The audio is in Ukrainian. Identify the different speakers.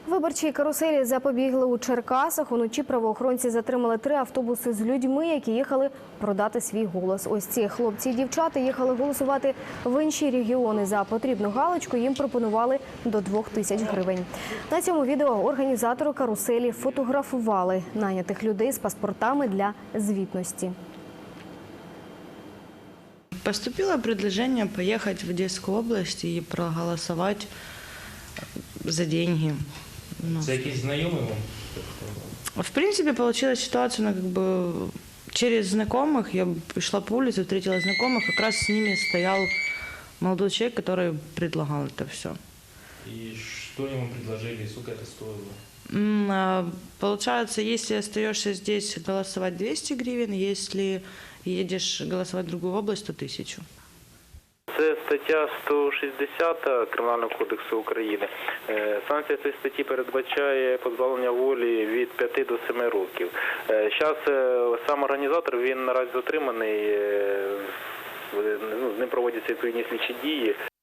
Speaker 1: Виборчій каруселі запобігли у Черкасах. Уночі правоохоронці затримали 3 автобуси з людьми, які їхали продати свій голос. Ось ці хлопці і дівчата їхали голосувати в інші регіони. За потрібну галочку їм пропонували до 2000 гривень. На цьому відео організатори каруселі фотографували найнятих людей з паспортами для звітності.
Speaker 2: Поступило предложение поехать в Одесскую область и проголосовать за деньги.
Speaker 3: Це якісь знайомі вам?
Speaker 2: В принципе, получилась ситуация, через знакомых. Я шла по улице, встретила знакомых, как раз с ними стоял молодой человек, который предлагал это все.
Speaker 3: И что они вам предложили, и сколько это стоило?
Speaker 2: Получается, если остаешься здесь голосовать 200 гривен, если едешь голосовать в другую область, то 1000.
Speaker 4: Це стаття 160 Кримінального кодексу України. Санкція цієї статті передбачає позбавлення волі від 5 до 7 років. Зараз сам організатор, він наразі затриманий, з ним проводяться відповідні слідчі дії.